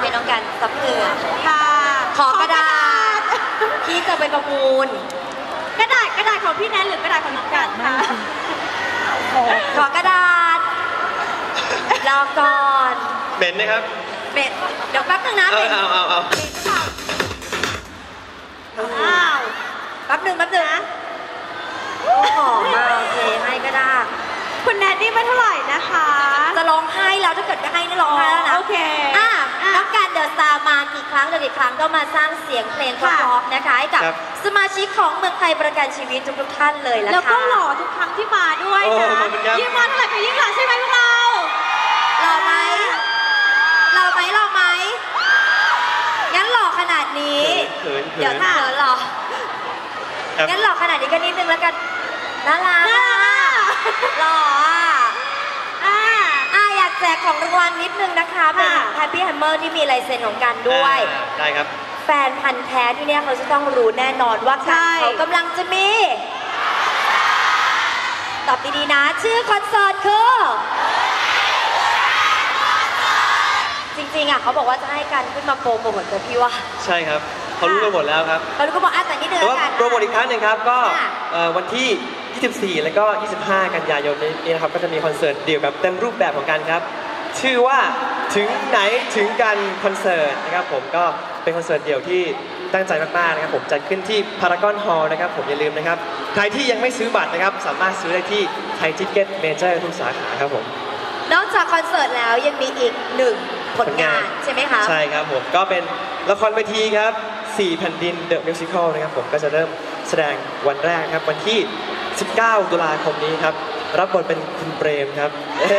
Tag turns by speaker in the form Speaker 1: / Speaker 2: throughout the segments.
Speaker 1: น้องกันซับเหงื่อ
Speaker 2: ค่ะ
Speaker 1: ขอกระดาษที่จะไปประมูล
Speaker 2: กระดาษของพี่แนนหรือกระดาษของน้องกันคะ
Speaker 1: ขอกระดาษรอก่อน
Speaker 3: เหม็นนะครับ
Speaker 1: เหม็นเดี๋ยวแป๊บนึงนะ
Speaker 3: เอา
Speaker 1: เหม็นเปล่าอ้าวแป๊บนึงนะหอมมากโอเคให้ก็ได้
Speaker 2: คุณแนนนี่ไม่เท่าไหร่นะคะ
Speaker 1: จะร้องไห้แล้วถ้าเกิดจะให้นี่ร้องไห้แล้วนะ
Speaker 2: โอเค
Speaker 1: น้องการเดอะสตาร์มากี่ครั้งก็มาสร้างเสียงเพลงเพราะๆนะคะให้กับสมาชิกของเมืองไทยประกันชีวิตทุกท่านเลยละค่ะ
Speaker 2: แล้วก็หล่อทุกครั้งที่มาด้วยนะยิ่งมาเท่าไหร่ก็ยิ่งหล่อใช่ไหมพวกเรา
Speaker 1: หล่อไหมงั้นหล่อขนาดนี้เดี๋ยวถ้าหล่องั้นหล่อขนาดนี้ก็นิดนึงแล้วกันน่ารักหล่ออยากแจกของรางวัลนิดนึงนะคะเป็น Happy Hammer ที่มีลายเซ็นของกันด้วย
Speaker 3: ได้ครับ
Speaker 1: แฟนพันธ์แท้ที่เนี่ยเขาจะต้องรู้แน่นอนว่าเขากำลังจะมีตอบดีๆนะชื่อคอนเสิร์ตคือจริงๆเขาบอกว่าจะให้กันขึ้นมาโปรโมทแต่พี่ว่า
Speaker 3: ใช่ครับเขารู้กันหมดแล้วครับ
Speaker 1: เขารู้กันหมดแต่นี่เดือนกัน
Speaker 3: โปรโมทอีกครั้งหนึ่งครับก็วันที่ 24 แล้วก็ 25 กันยายนนี้นะครับก็จะมีคอนเสิร์ตเดี่ยวแบบเต็มรูปแบบของกันครับชื่อว่าถึงไหนถึงกันคอนเสิร์ตนะครับผมก็เป็นคอนเสิร์ตเดี่ยวที่ตั้งใจมากๆนะครับผมจัดขึ้นที่พารากอนฮอลล์นะครับผมอย่าลืมนะครับใครที่ยังไม่ซื้อบัตรนะครับสามารถซื้อได้ที่ไทยทิกเก็ตเมเจอร์ทุกสาขาครับผม
Speaker 1: นอกจากคอนเสิร์ตแล้วยังมีอีกหนึ่งผลงานใช่ไหมคะ
Speaker 3: ใช่ครับผมก็เป็นละครเวทีครับ4แผ่นดินเดอะมิวสิคอลนะครับผมก็จะเริ่มแสดงวันแรกครับวันที่19 ตุลาคมนี้ครับรับบทเป็นคุณเปรมครับ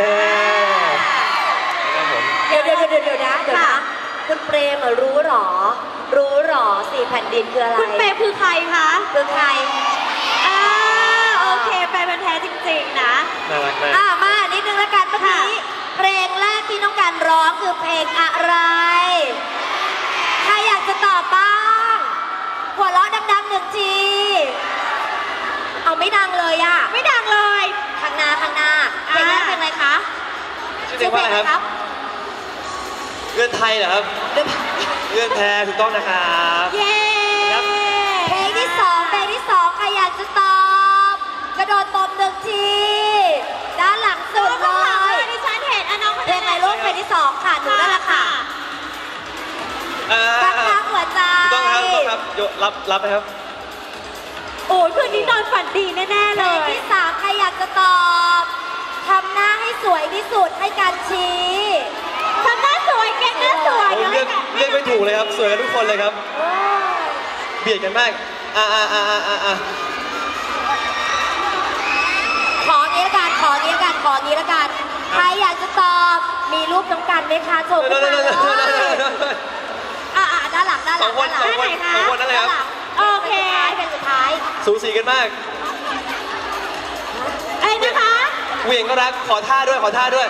Speaker 1: ครับผมเดี๋ยวนะคุณเปรมรู้หรอ4แผ่นดินคืออะไร
Speaker 2: คุณเปรมคือใครคะ
Speaker 1: คือใคร
Speaker 2: โอเคแฟนแท้จริงๆนะ
Speaker 3: น่ารักมาก
Speaker 1: มานิดนึงละกันเมื่อกี้เพลงแรกที่น้องการร้องคือเพลงอะไรใครอยากจะตอบบ้างหัวเราะดังๆหนึ่งทีเอาไม่ดังเลย
Speaker 2: ไม่ดังเลย
Speaker 1: ข้างหน้าเพลงแรกเพลงอะไรคะ
Speaker 3: ชื่อเพลงอะไรครับเงื่อนไทยเหรอครับเงื่อนแท้ถูกต้องนะครับ
Speaker 1: เย้เพลงที่สองใครอยากจะตอบกระโดดตบหนึ่งทีด้านหลังสุดเลย
Speaker 2: ดิฉันเห็นน้อง
Speaker 1: เพลงอะไรลูกเพลงที่2ค่ะหนูนั่นแหละค่ะข้างหัวใจ
Speaker 3: ต้องครับรับนะครับ
Speaker 2: โอ้ยคืนนี้นอนฝันดีแน่ๆเลย
Speaker 1: เพลงที่3ใครอยากจะตอบทำหน้าให้สวยที่สุดให้การชี้
Speaker 2: ทำหน้าสวยเก่งหน้าสวย
Speaker 3: เลือกไม่ถูกเลยครับสวยกันทุกคนเลยครับเบียดกันมาก
Speaker 1: ของี้ละกันใครอยากจะตอบมีรูปน้องกันไหมคะโชว์ขึ้นมาเลยด้านหลัง
Speaker 3: สองคนนั่นเลยครับ
Speaker 1: โอเคเป็นสุดท้าย
Speaker 3: สูสีกันมาก
Speaker 2: ไอ้นะคะ
Speaker 3: เหวี่ยงก็รักขอท่าด้วย
Speaker 2: แตกแล้ว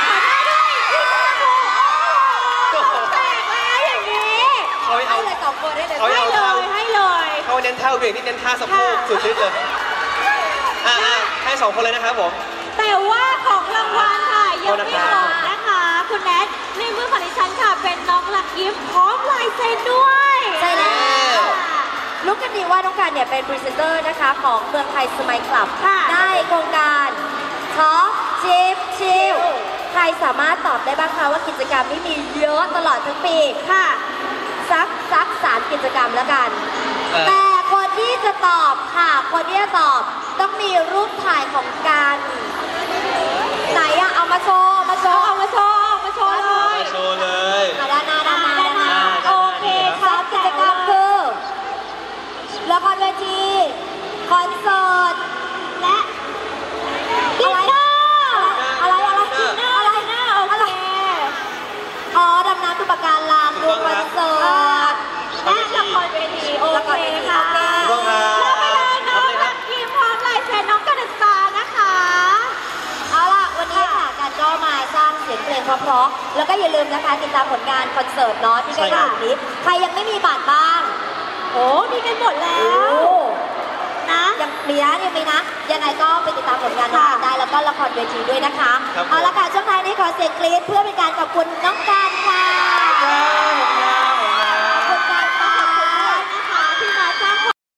Speaker 2: อย่างนี้
Speaker 1: ให้เลย2คนได้เลย
Speaker 2: ให้เลย
Speaker 3: เขาเน้นท่าเหวี่ยงนี่เน้นท่าสะโพกสุดฤทธิ์เลยให้2คนเลยนะครับผม
Speaker 2: แต่ว่าของรางวัลค่ะยังไม่หมดนะคะคุณแนทในมือของดิฉันค่ะเป็นน้องหลักยิ้มพร้อมลายเซ็นด้วย
Speaker 1: ใช่แล้วรู้กันดีว่าน้องการเนี่ยเป็นพรีเซนเตอร์นะคะของเมืองไทยสมัยคลับได้โครงการท็อปชิลใครสามารถตอบได้บ้างคะว่ากิจกรรมที่มีเยอะตลอดทั้งปี
Speaker 2: ค่ะ
Speaker 1: สัก3กิจกรรมแล้วกันแต่คนที่จะตอบต้องมีรูปถ่ายของการไหนเอามาโชว์
Speaker 2: เลย
Speaker 1: ด้านหน้าโอเคครับกิจกรรมคือละครเวทีคอนเสิร์ตและดำน้ำตุปการลามดูคอนเสิร์ต
Speaker 2: และละครเวทีโอเคค่ะ
Speaker 3: แล้วไป
Speaker 2: เลยน้องรักยิ้มพร้อมลายเซ็นน้องกันสตาร์นะคะ
Speaker 1: เอาล่ะวันนี้ค่ะการก็มาสร้างเสียงเพลงเพราะๆแล้วก็อย่าลืมนะคะติดตามผลงานคอนเสิร์ตเนาะที่ใกล้ๆนี้ใครยังไม่มีบัตรบ้าง
Speaker 2: มีกันหมดแล้วนะ
Speaker 1: ยังมีนะยังไงก็ไปติดตามผลงานน้องกันได้แล้วก็ละครเวทีด้วยนะคะเอาละค่ะช่วงท้ายนี้ขอเสียงกรี๊ดเพื่อเป็นการขอบคุณน้องกัน